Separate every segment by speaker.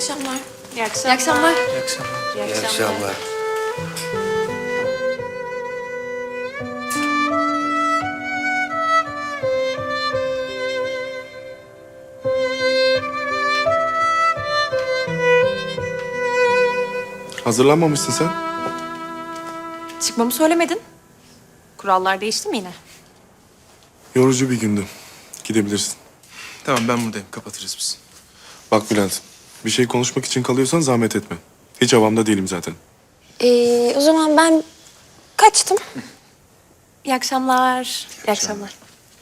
Speaker 1: akşamlar.
Speaker 2: İyi akşamlar.
Speaker 1: İyi akşamlar.
Speaker 3: İyi akşamlar.
Speaker 2: İyi akşamlar.
Speaker 3: Hazırlanmamışsın sen.
Speaker 2: Çıkmamı söylemedin. Kurallar değişti mi yine?
Speaker 3: Yorucu bir gündü. Gidebilirsin. Tamam ben buradayım. Kapatırız biz. Bak Bülent, bir şey konuşmak için kalıyorsan zahmet etme. Hiç havamda değilim zaten.
Speaker 1: O zaman ben kaçtım.
Speaker 2: İyi akşamlar. İyi akşamlar.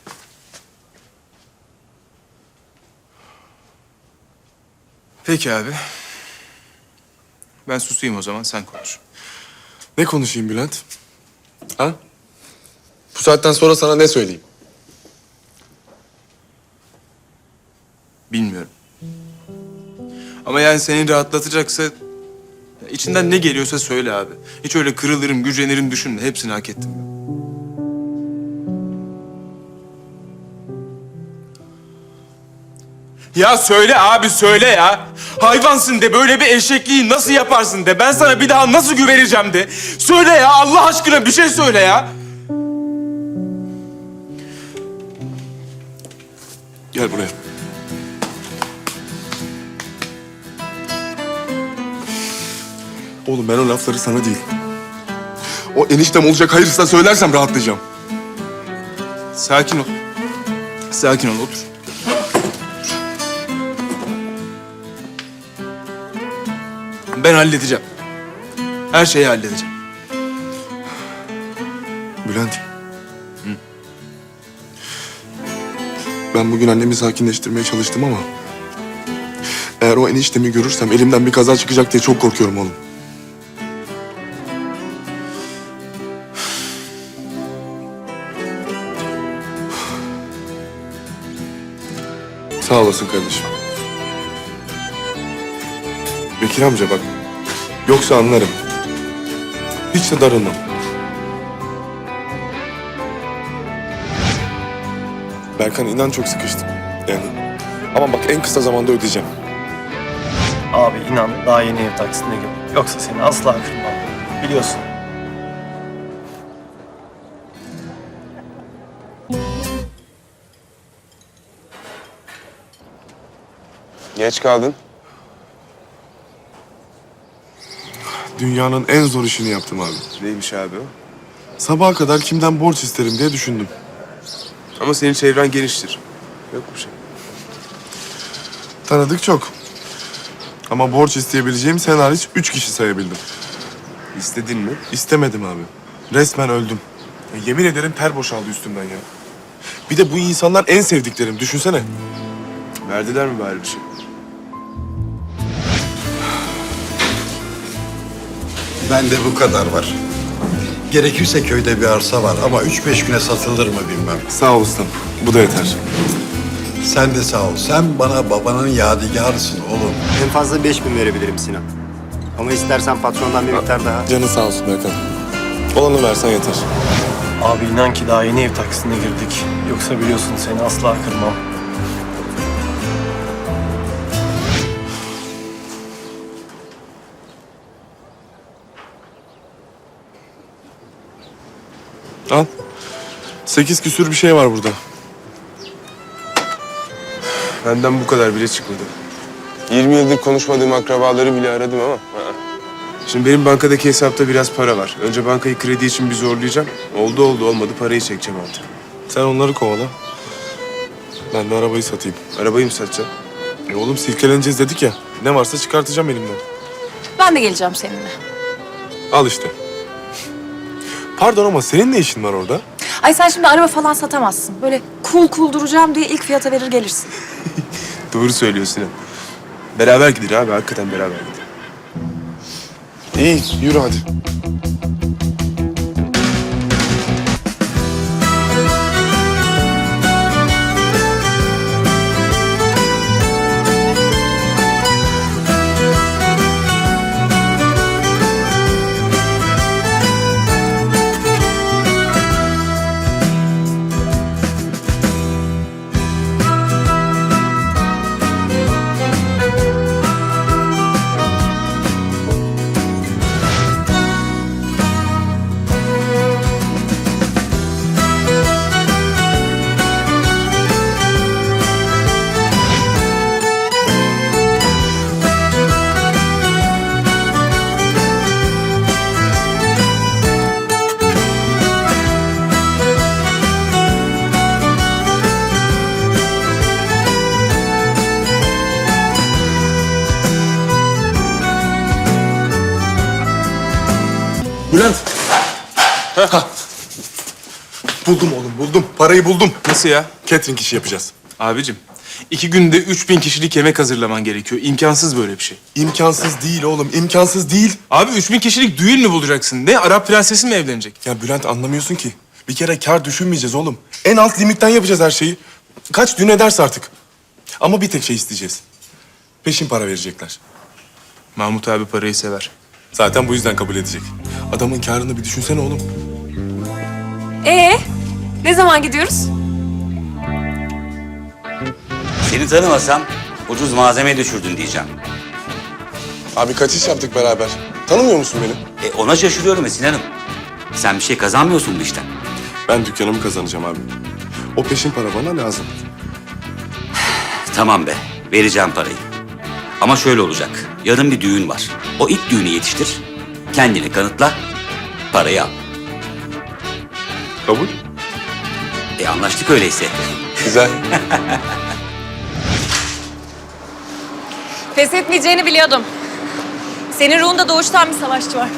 Speaker 4: Peki abi. Ben susayım o zaman, sen konuş.
Speaker 3: Ne konuşayım Bülent? Ha? Bu saatten sonra sana ne söyleyeyim?
Speaker 4: Bilmiyorum. Ama yani seni rahatlatacaksa... içinden ne geliyorsa söyle abi. Hiç öyle kırılırım, gücenirim düşünme. Hepsini hak ettim ben. Ya söyle abi, söyle ya. Hayvansın de, böyle bir eşekliği nasıl yaparsın de. Ben sana bir daha nasıl güveneceğim de. Söyle ya, Allah aşkına bir şey söyle ya.
Speaker 3: Gel buraya. Oğlum ben o lafları sana değil. O eniştem olacak hayırsa söylersem rahatlayacağım.
Speaker 4: Sakin ol. Sakin ol, otur. Ben halledeceğim. Her şeyi halledeceğim.
Speaker 3: Bülent. Ben bugün annemi sakinleştirmeye çalıştım ama... eğer o eniştemi görürsem elimden bir kaza çıkacak diye çok korkuyorum oğlum. Sağ olasın kardeşim. Bekir amca bak. Yoksa anlarım. Hiç de darılmam. Berkan inan çok sıkıştım. Yani. Ama bak en kısa zamanda ödeyeceğim.
Speaker 5: Abi inan daha yeni ev taksitine girdim. Yoksa seni asla kırmam. Biliyorsun.
Speaker 4: Geç kaldın.
Speaker 3: Dünyanın en zor işini yaptım abi.
Speaker 4: Neymiş abi o?
Speaker 3: Sabaha kadar kimden borç isterim diye düşündüm.
Speaker 4: Ama senin çevren geniştir. Yok bir şey.
Speaker 3: Tanıdık çok. Ama borç isteyebileceğim sen hariç 3 kişi sayabildim.
Speaker 4: İstedin mi?
Speaker 3: İstemedim abi. Resmen öldüm. Ya yemin ederim ter boşaldı üstümden ya. Bir de bu insanlar en sevdiklerim. Düşünsene.
Speaker 4: Verdiler mi bari bir şey?
Speaker 6: Bende bu kadar var. Gerekirse köyde bir arsa var ama 3-5 güne satılır mı bilmem.
Speaker 3: Sağ ol ustam. Bu da yeter.
Speaker 6: Sen de sağ ol. Sen bana babanın yadigarısın oğlum.
Speaker 7: En fazla 5.000 verebilirim Sinan. Ama istersen patrondan bir miktar daha.
Speaker 3: Canın sağ olsun Berkan. Olanı versen yeter.
Speaker 5: Abi inan ki daha yeni ev taksitine girdik. Yoksa biliyorsun seni asla kırmam.
Speaker 3: Al. 8 küsür bir şey var burada.
Speaker 4: Benden bu kadar bile çıkmadı. 20 yıldır konuşmadığım akrabaları bile aradım ama... Şimdi benim bankadaki hesapta biraz para var. Önce bankayı kredi için bir zorlayacağım. Oldu olmadı parayı çekeceğim artık.
Speaker 3: Sen onları kovala. Ben de arabayı satayım.
Speaker 4: Arabayı mı satacağım?
Speaker 3: Oğlum silkeleneceğiz dedik ya. Ne varsa çıkartacağım elimden.
Speaker 2: Ben de geleceğim seninle.
Speaker 3: Al işte. Pardon ama senin ne işin var orada?
Speaker 2: Ay sen şimdi araba falan satamazsın. Böyle cool duracağım diye ilk fiyata verir gelirsin.
Speaker 4: Doğru söylüyorsun Sinan. Beraber gidin abi, hakikaten beraber gidin.
Speaker 3: İyi, yürü hadi. Bülent. Hah. Buldum oğlum, buldum. Parayı buldum.
Speaker 4: Nasıl ya?
Speaker 3: Catering işi yapacağız.
Speaker 4: Abicim 2 günde 3000 kişilik yemek hazırlaman gerekiyor. İmkansız böyle bir şey.
Speaker 3: İmkansız değil oğlum, imkansız değil.
Speaker 4: Abi 3000 kişilik düğün mü bulacaksın? Ne Arap prensesi mi evlenecek?
Speaker 3: Ya Bülent anlamıyorsun ki. Bir kere kar düşünmeyeceğiz oğlum. En alt limitten yapacağız her şeyi. Kaç düğün ederse artık. Ama bir tek şey isteyeceğiz. Peşin para verecekler.
Speaker 4: Mahmut abi parayı sever.
Speaker 3: Zaten bu yüzden kabul edecek. Adamın karını bir düşünsene oğlum.
Speaker 2: Ne zaman gidiyoruz?
Speaker 8: Seni tanımasam ucuz malzeme düşürdün diyeceğim.
Speaker 3: Abi kaç iş yaptık beraber. Tanımıyor musun beni?
Speaker 8: Ona şaşırıyorum Esin Hanım. Sen bir şey kazanmıyorsun bu işten.
Speaker 3: Ben dükkanımı kazanacağım abi. O peşin para bana lazım.
Speaker 8: Tamam be, vereceğim parayı. Ama şöyle olacak. Yarın bir düğün var. O ilk düğünü yetiştir. Kendini kanıtla, parayı al.
Speaker 3: Kabul.
Speaker 8: Anlaştık öyleyse.
Speaker 3: Güzel.
Speaker 2: Pes etmeyeceğini biliyordum. Senin ruhunda doğuştan bir savaşçı var.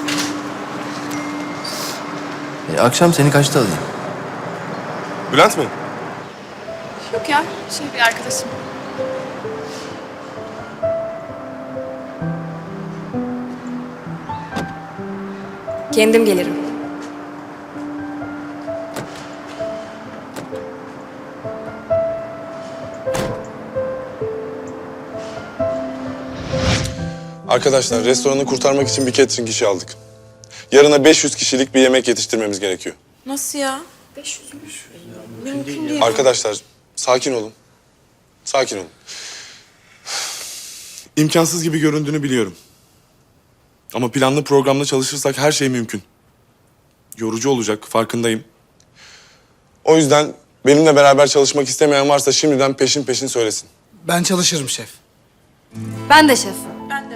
Speaker 5: Akşam seni kaçta alayım?
Speaker 3: Bülent mi?
Speaker 2: Yok ya, bir arkadaşım. Kendim gelirim.
Speaker 3: Arkadaşlar restoranı kurtarmak için bir catering işi aldık. Yarına 500 kişilik bir yemek yetiştirmemiz gerekiyor.
Speaker 2: Nasıl ya?
Speaker 3: Arkadaşlar sakin olun. Sakin olun. İmkansız gibi göründüğünü biliyorum. Ama planlı programlı çalışırsak her şey mümkün. Yorucu olacak, farkındayım. O yüzden benimle beraber çalışmak istemeyen varsa şimdiden peşin peşin söylesin.
Speaker 9: Ben çalışırım şef.
Speaker 2: Ben de şef.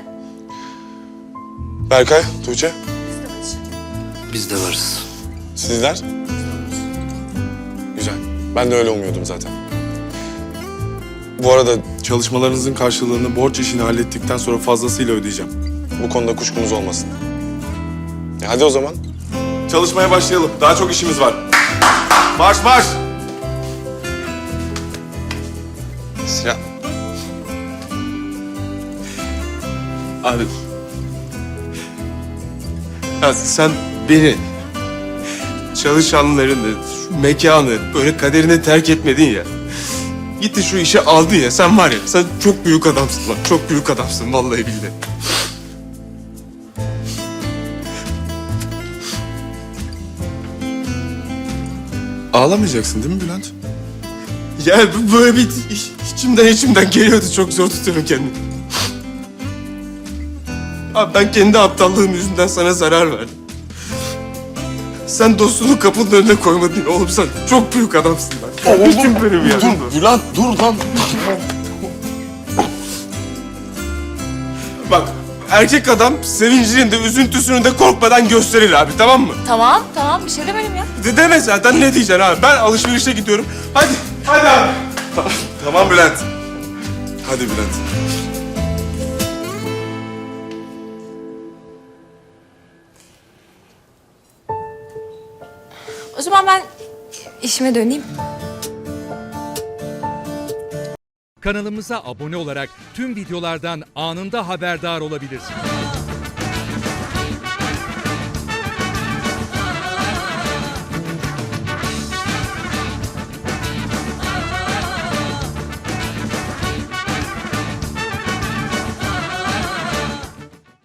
Speaker 3: Berkay, Tuğçe,
Speaker 6: Biz de varız.
Speaker 3: sizler? Güzel. Ben de öyle umuyordum zaten. Bu arada çalışmalarınızın karşılığını borç işini hallettikten sonra fazlasıyla ödeyeceğim. Bu konuda kuşkunuz olmasın. Hadi o zaman. Çalışmaya başlayalım. Daha çok işimiz var. Marş marş!
Speaker 4: Sinan. Abi. Ya sen beni, çalışanlarını, şu mekanı böyle kaderine terk etmedin ya. Gitti şu işi aldı ya. Sen var ya, sen çok büyük adamsın lan. Çok büyük adamsın vallahi billahi.
Speaker 3: Ağlamayacaksın değil mi Bülent?
Speaker 4: Ya böyle bir içimden geliyordu. Çok zor tutuyorum kendimi. Abi ben kendi aptallığım yüzünden sana zarar verdim. Sen dostunu kapının önüne koymadın ya. Oğlum sen çok büyük adamsın lan. Oğlum benim ya.
Speaker 3: Dur Bülent dur lan.
Speaker 4: Bak erkek adam sevincinin de üzüntüsünü de korkmadan gösterir abi, tamam mı?
Speaker 2: Tamam, bir şey demedim ya.
Speaker 4: Deme zaten, ne diyeceksin abi? Ben alışverişe gidiyorum. Hadi abi.
Speaker 3: Tamam Bülent. Hadi Bülent.
Speaker 2: O zaman ben işime döneyim.
Speaker 10: Kanalımıza abone olarak tüm videolardan anında haberdar olabilirsiniz.